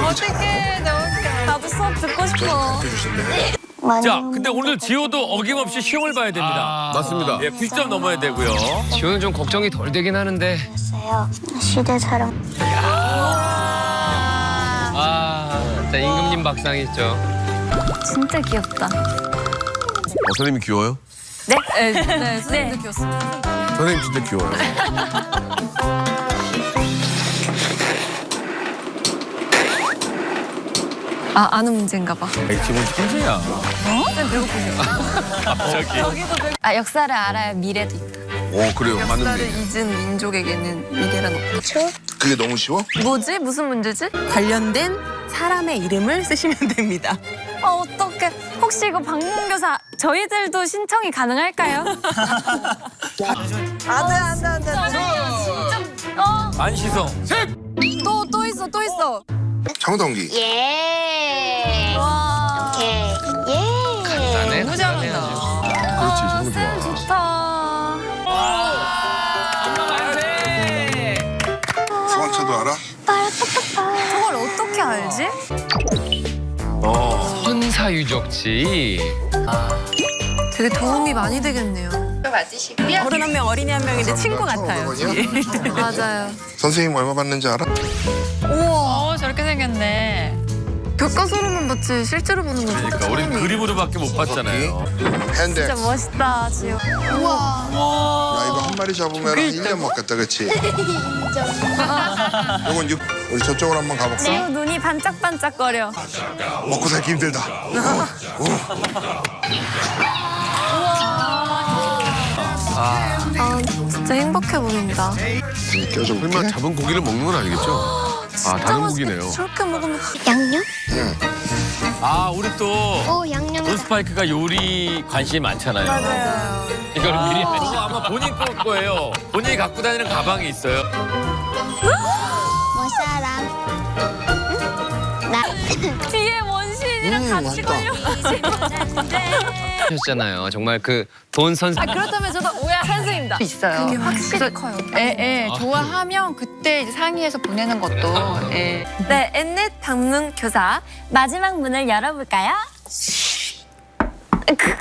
어떡해, 나도 수업 듣고 싶어. 자, 근데 오늘 지호도 어김없이 시험을 봐야 됩니다. 맞습니다. 예, 90점 넘어야 되고요. 지호는 좀 걱정이 덜 되긴 하는데. 시대 사랑. 진짜 임금님 박상이죠. 진짜 귀엽다. 선생님이 귀여워요? 네? 네, 선생님도 귀엽습니다. 선생님 진짜 귀여워요. 아는 문제인가 봐. 기본 천재야. 역사를 알아야 미래도 있다. 오, 그래요. 맞는 역사를 얘기. 잊은 민족에게는 미래란 없다. 그게 너무 쉬워? 뭐지? 무슨 문제지? 관련된 사람의 이름을 쓰시면 됩니다. 어떡해. 혹시 이거 방문교사 저희들도 신청이 가능할까요? 안 돼. 안시성. 또 있어. 장동기. 예. 와. 오케이. 예. 나네. 너무 잘한다. 그렇지, 장동 쌤 좋아. 좋다. 소환차도 알아? 저걸 어떻게 알지? 천사 유적지. 되게 도움이 많이 되겠네요. 어른 한 명, 어린이 한 명인데 친구 같아요. 맞아요. 선생님 얼마 받는지 알아? 우와. 저렇게 생겼네. 교과서로만 봤지 실제로 보는 건 그러니까 우린 그림으로밖에 못 봤잖아요. 핸드. 진짜 멋있다, 지호. 우와. 야, 이거 한 마리 잡으면 1년 먹겠다, 그치? 이건 우리 저쪽으로 한번 가볼까? 지호 눈이 반짝반짝거려. 먹고 살기 힘들다. 진짜 행복해 보인다. 설마 잡은 고기를 먹는 건 아니겠죠? 다른 고기네요. 저렇게 먹으면 양념? 아, 우리 또 오, 양념. 돈스파이크가 요리 관심이 많잖아요. 맞아요. 이걸 미리 그거 아마 본인 거예요. 본인이 갖고 다니는 가방이 있어요. 뭐 사람? 나. 뒤에 원신이랑 같이 맛있다. 걸려. 하셨잖아요. 정말 그 돈 선생. 그렇다면 저도 오야 선생님다. 있어요. 그게 확실히 커요. 좋아하면 그때 이제 상의해서 보내는 것도. 예. 네, 엠넷 방문 교사 마지막 문을 열어볼까요?